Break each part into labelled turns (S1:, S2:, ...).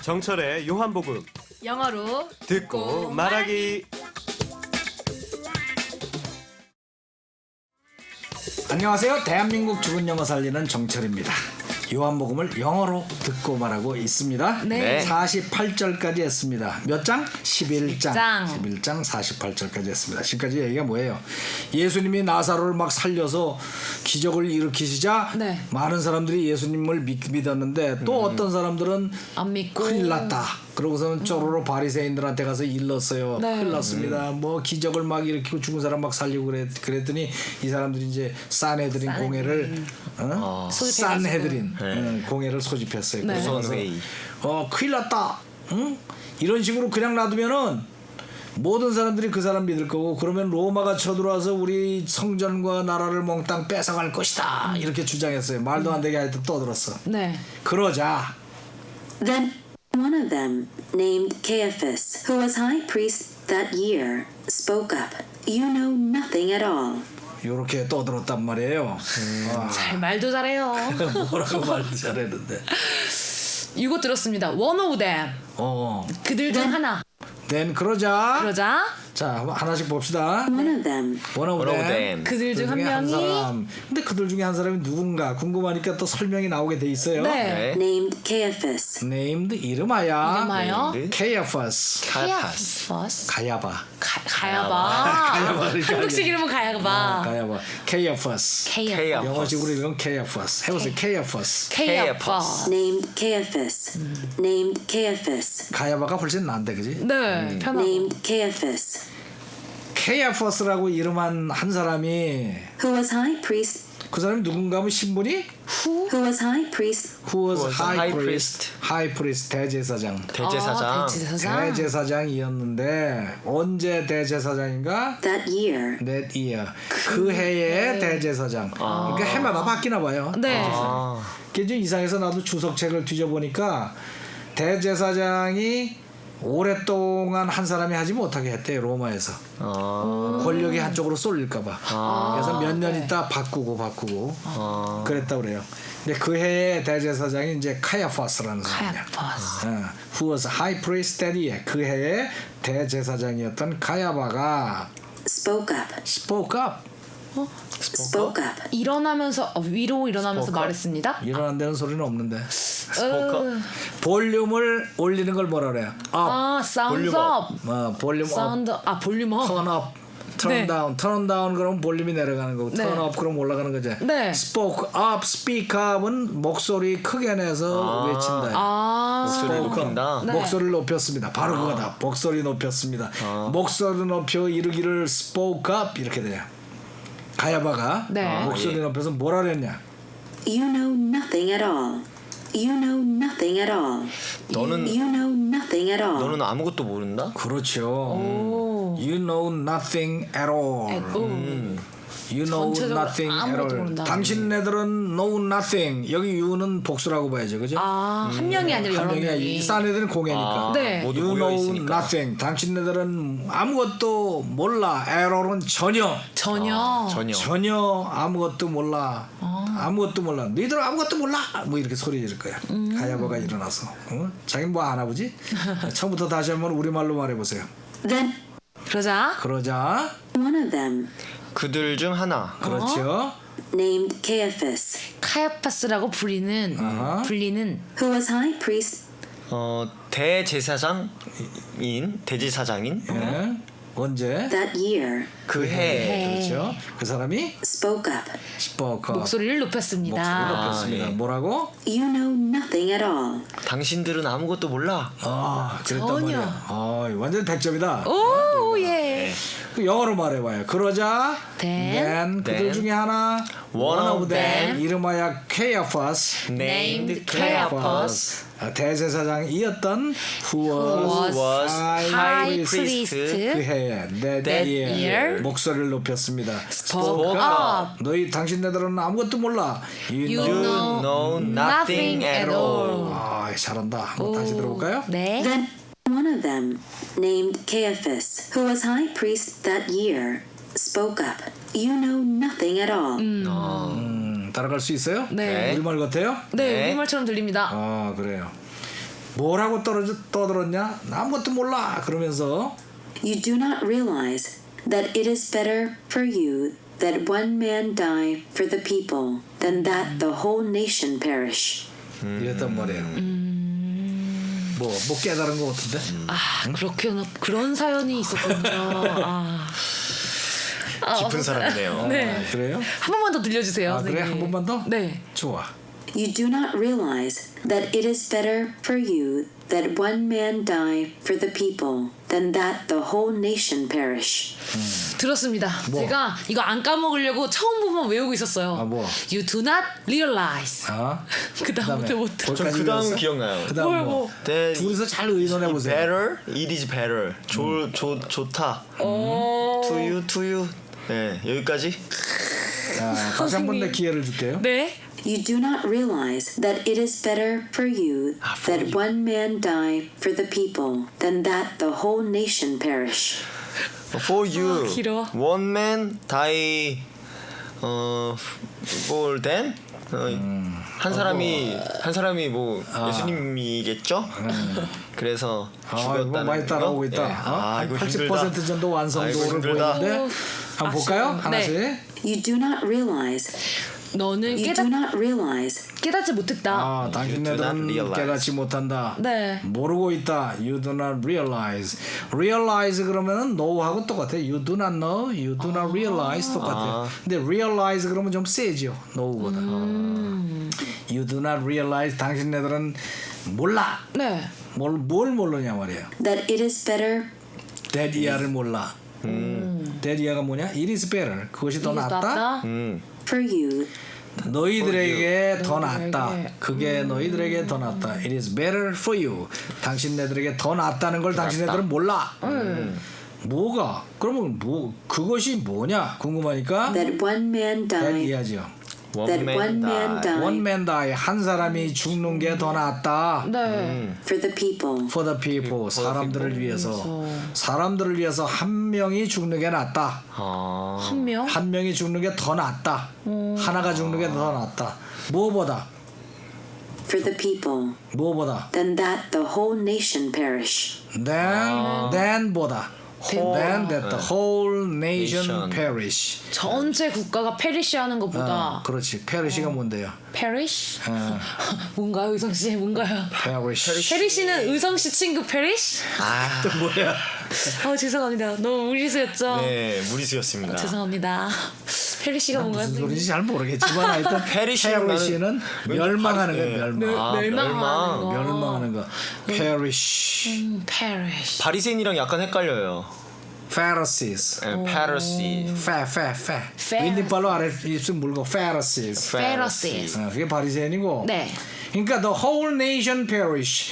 S1: 정철의 요한복음
S2: 영어로
S1: 듣고 말하기.
S3: 안녕하세요. 대한민국 죽은 영어 살리는 정철입니다. 요한복음을 영어로 듣고 말하고 있습니다.
S2: 네.
S3: 48절까지 했습니다. 몇 장? 11장. 11장 48절까지 했습니다. 지금까지 얘기가 뭐예요? 예수님이 나사로를 막 살려서 기적을 일으키시자
S2: 네.
S3: 많은 사람들이 예수님을 믿었는데 또 어떤 사람들은
S2: 안 믿고
S3: 큰일 났다. 그러고서는 쪼로로 바리새인들한테 가서 일렀어요.
S2: 네.
S3: 큰일 났습니다. 뭐 기적을 막 일으키고 죽은 사람 막 살리고 그랬더니 이 사람들이 이제 산헤드린 공회를 산헤드린 공회를 소집했어요.
S2: 네.
S3: 그래서
S4: 회의.
S3: 큰일 났다. 응? 이런 식으로 그냥 놔두면은 모든 사람들이 그 사람 믿을 거고 그러면 로마가 쳐들어와서 우리 성전과 나라를 몽땅 뺏어갈 것이다. 이렇게 주장했어요. 말도 안 되게 하여튼 떠들었어.
S2: 네.
S3: 그러자
S5: Then one of them, named Caiaphas, who was high priest that year, spoke up. You know nothing at all.
S3: 이렇게 떠들었단 말이에요.
S2: 잘 말도 잘해요.
S3: 뭐라고 말도 잘했는데.
S2: 이거 들었습니다. One of them. 그들 중 하나.
S3: then 그러자 자 하나씩 봅시다.
S5: One of them,
S3: one of them.
S2: 그들 중 한
S3: 중에
S2: 명이
S3: 사람. 근데 그들 중에 한 사람이 누군가 궁금하니까 또 설명이 나오게 돼 있어요.
S2: 네.
S5: named Caiaphas.
S3: named 이름하여
S2: 이름하여
S3: Caiaphas.
S2: Caiaphas.
S3: 가야바.
S2: 가야바.
S3: 가야바.
S2: 한국식 이름은 가야바.
S3: 가야바. Caiaphas.
S2: Caiaphas.
S3: 영어식으로 이건 Caiaphas. 해보세요. Caiaphas.
S2: Caiaphas.
S5: Named Caiaphas. Named Caiaphas.
S3: 가야바가 훨씬 나은데 그지?
S2: 네. 편하고.
S5: Named Caiaphas,
S3: Caiaphas라고 이름한 한 사람이
S5: who was high priest.
S3: 그 사람이 누군가 하면 신분이
S5: Who was high priest
S3: Who was
S4: was
S3: high
S4: high
S3: priest? High priest 대제사장.
S4: 대제사장.
S2: 대제사장.
S3: 대제사장이었는데 언제 대제사장인가?
S5: that year?
S3: That year. 그 해의 대제사장. 그러니까 해마다 바뀌나 봐요.
S2: 네.
S3: 그게 좀 이상해서 나도 주석책을 뒤져보니까 대제사장이 오랫동안 한 사람이 하지 못하게 했대요. 로마에서. 권력이 한쪽으로 쏠릴까봐. 그래서 몇 년 있다 바꾸고 그랬다고 그래요. 근데 그 해의 대제사장이 이제 카야파스라는 사람이야.
S2: Caiaphas.
S3: Who was high priest that year. 그 해의 대제사장이었던 가야바가
S5: Spoke up.
S3: spoke up.
S5: Spoke up.
S2: 일어나면서 위로 일어나면서 말했습니다.
S3: 일어난다는 소리는 없는데.
S4: 스포커.
S3: 볼륨을 올리는 걸 뭐라 그래요? up.
S2: sound
S4: 볼륨
S2: up.
S3: 볼륨 up.
S2: 사운드 볼륨 업.
S3: turn up, turn
S2: 네.
S3: down, turn down 그러면 볼륨이 내려가는 거고,
S2: 네.
S3: turn up 그러면 올라가는 거죠.
S2: 네.
S3: spoke up, speak up은 목소리 크게 내서 외친다.
S4: 목소리를
S3: spoke up.
S4: 높인다.
S2: 네.
S3: 목소리를 높였습니다. 바로 그거다. 목소리 높였습니다. 목소리 높여 이르기를 spoke up 이렇게 돼요. 가야바가
S2: 네.
S3: 목소리 높여서 뭐라 그랬냐?
S5: You know nothing at all. You know nothing at all.
S4: 너는
S5: You know nothing at all.
S4: 너는 아무것도 모른다?
S3: 그렇죠. You know nothing at all. You know
S2: 전체적으로
S3: nothing at
S2: 아무것도
S3: all.
S2: 모른다.
S3: 당신네들은 know nothing. 여기 you는 복수라고 봐야죠, 그죠?
S2: 한 명이 아니라 여러
S3: 한 명이
S2: 명이.
S3: 싼 애들은 공예니까.
S2: 네.
S4: 모두
S3: You
S4: 모여
S3: know
S4: 있으니까.
S3: nothing. 당신네들은 아무것도 몰라. error은 전혀
S2: 전혀.
S3: 아무것도 몰라. 아무것도 몰라. 너희들 아무것도 몰라. 뭐 이렇게 소리 지를 거야. 가야바가 일어나서. 자기는 뭐 안 하보지? 처음부터 다시 한번 우리말로 말해보세요.
S5: Then
S3: 그러자
S5: one of them,
S4: 그들 중 하나.
S3: 그렇죠.
S5: named Caiaphas,
S2: 카야파스라고 불리는
S5: who was high priest
S4: 대제사장인 대제사장인
S3: 예. 언제?
S5: that year,
S4: 그 해.
S3: 그렇죠. 그 사람이
S5: spoke up.
S3: spoke up.
S2: 목소리를 높였습니다.
S3: 목소리를 높였습니다.
S4: 예.
S3: 뭐라고?
S5: You know nothing at all.
S4: 당신들은 아무것도 몰라.
S3: 그랬단
S2: 전혀.
S3: 말이야. 완전 100점이다.
S2: 오 예.
S3: 영어로 말해봐요. 그러자
S2: Then
S3: 그들 중에 하나
S4: one of them
S3: 이름하여 Caiaphas
S4: named
S2: Caiaphas
S3: 대제사장이었던 who
S4: was
S2: high priest
S3: 그 해에 that year 목소리를 높였습니다.
S2: spoke up.
S3: 너희 당신네들은 아무것도 몰라.
S2: You
S4: You
S2: know
S4: know nothing at all.
S3: 잘한다. 한번 다시 들어볼까요?
S2: 네.
S5: Then one of them, named Caiaphas, who was high priest that year, spoke up. You know nothing at all.
S3: 따라갈 수 있어요?
S2: 네.
S3: 우리말 같아요?
S2: 네,
S4: 네.
S2: 우리말처럼 들립니다.
S3: 그래요. 뭐라고 떠들었냐? 나 아무것도 몰라. 그러면서
S5: You do not realize that it is better for you that one man die for the people than that the whole nation perish.
S3: 이랬단 말이에요. 뭐 깨달은 것 같은데?
S2: 아 그렇구나. 그런 사연이 있었군요.
S4: 깊은 사람이네요.
S2: 네.
S3: 그래요?
S2: 한 번만 더 들려주세요.
S3: 아, 그래?
S2: 선생님.
S3: 한 번만 더?
S2: 네.
S3: 좋아.
S5: You do not realize that it is better for you that one man die for the people than that the whole nation perish.
S2: 들었습니다.
S3: 뭐?
S2: 제가 이거 안 까먹으려고 처음 부분 외우고 있었어요.
S3: 아, 뭐?
S2: You do not realize.
S3: 아,
S2: 그 다음부터 못 들어.
S4: 전 그 다음 기억나요.
S3: 그다음
S2: 뭘,
S3: 뭐?
S2: 뭐?
S4: That
S3: 둘이서 잘 의논해 보세요.
S4: better, it is better. 좋다. To you. 네, 여기까지.
S3: 자, 다시 한 번 더 기회를 줄게요.
S2: 네.
S5: You do not realize that it is better for you that one man die for the people than that the whole nation perish.
S4: For you,
S2: 길어.
S4: one man die. for them. 한 사람이 뭐 예수님이겠죠? 그래서
S3: 이거
S4: 죽였다는
S3: 많이 따라오고 있다.
S4: 네.
S3: 한
S4: 이거
S3: 80% 정도 완성도를
S4: 아이고, 힘들다.
S3: 보이는데 한번 볼까요?
S2: 아쉬워.
S3: 하나씩.
S2: 네.
S5: You do not realize.
S2: 너는
S5: You do not realize.
S2: 깨닫지 못했다.
S3: 아, 당신네들은
S4: realize.
S3: 깨닫지 못한다.
S2: 네.
S3: 모르고 있다. You do not realize. Realize 그러면은 know하고 똑같아. You do not know. You do not realize 똑같아. 근데 realize 그러면 좀 세죠. know보다. You do not realize. 당신네들은 몰라.
S2: 네.
S3: 뭘 모르냐 말이에요.
S5: That it is better.
S3: 데디아를 몰라. 데디아가 뭐냐? It is better. 그것이 더 낫다.
S5: For you
S3: 너희들에게 더
S2: 너희들에게.
S3: 낫다. 그게 너희들에게 더 낫다. It is better for you. 당신네들에게 더 낫다는 걸 당신네들은 몰라. 뭐가? 그러면 뭐 그것이 뭐냐? 궁금하니까
S5: that one man die.
S3: 이해하죠.
S5: That one man die
S3: One man die. 한 사람이 죽는 게 더 낫다.
S2: 네.
S5: for the people.
S3: For the people. 사람들을 위해서. 사람들을 위해서 한 명이 죽는 게 낫다.
S2: 한 명.
S3: 한 명이 죽는 게 더 낫다. 하나가 죽는 게 더 낫다. 무엇보다?
S5: For the people.
S3: 무엇보다?
S5: Than that the whole nation perish.
S3: than보다. Then that the whole nation
S4: nation.
S3: perish.
S2: 전체 국가가 페리시하는 것보다
S3: 그렇지. perish가 뭔데요?
S2: 페리시? 뭔가요, 의성 씨? 뭔가요?
S3: perish.
S2: 페리시는 의성 씨 친구 페리시?
S3: 또 뭐야?
S2: 죄송합니다. 너무 무리수였죠?
S4: 네, 무리수였습니다.
S2: 죄송합니다. 페리시가 뭔가요?
S3: 무슨 소리인지 잘 모르겠지만 하여튼
S4: perish는
S3: perish는 멸망하는 거예요. 멸망.
S2: 멸망하는 거.
S3: 멸망하는 거. perish.
S2: 페리시.
S4: 바리새인이랑 약간 헷갈려요.
S3: Pharisees.
S4: Pharisee.
S3: fe. 윗니빨로 아래 입술 물고 Pharisees.
S2: 페리시.
S3: 그게 바리새인이고.
S2: 네.
S3: 그러니까 the whole nation perish.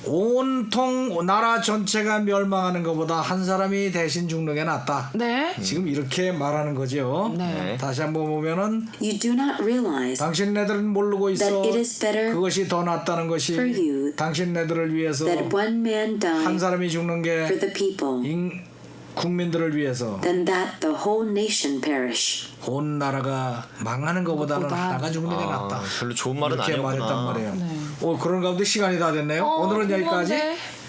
S3: 온통 나라 전체가 멸망하는 것보다 한 사람이 대신 죽는 게 낫다.
S2: 네.
S3: 지금 이렇게 말하는 거죠.
S2: 네.
S3: 다시 한번 보면은
S5: You do not realize
S3: 당신네들은 모르고 있어.
S5: that it is better
S3: 그것이 더 낫다는 것이
S5: for you
S3: 당신네들을 위해서
S5: that one man die
S3: 한 사람이 죽는
S5: for
S3: 게
S5: the people
S3: 국민들을 위해서
S5: than that the whole nation perish.
S3: 온 나라가 망하는 것보다는
S2: 그것보다.
S3: 하나가 죽는 게 낫다.
S4: 별로 좋은 말은
S3: 이렇게
S4: 아니었구나.
S3: 말했단 말이에요. 오늘 그런 가운데 시간이 다 됐네요. 오늘은 여기까지.
S2: 궁금한데.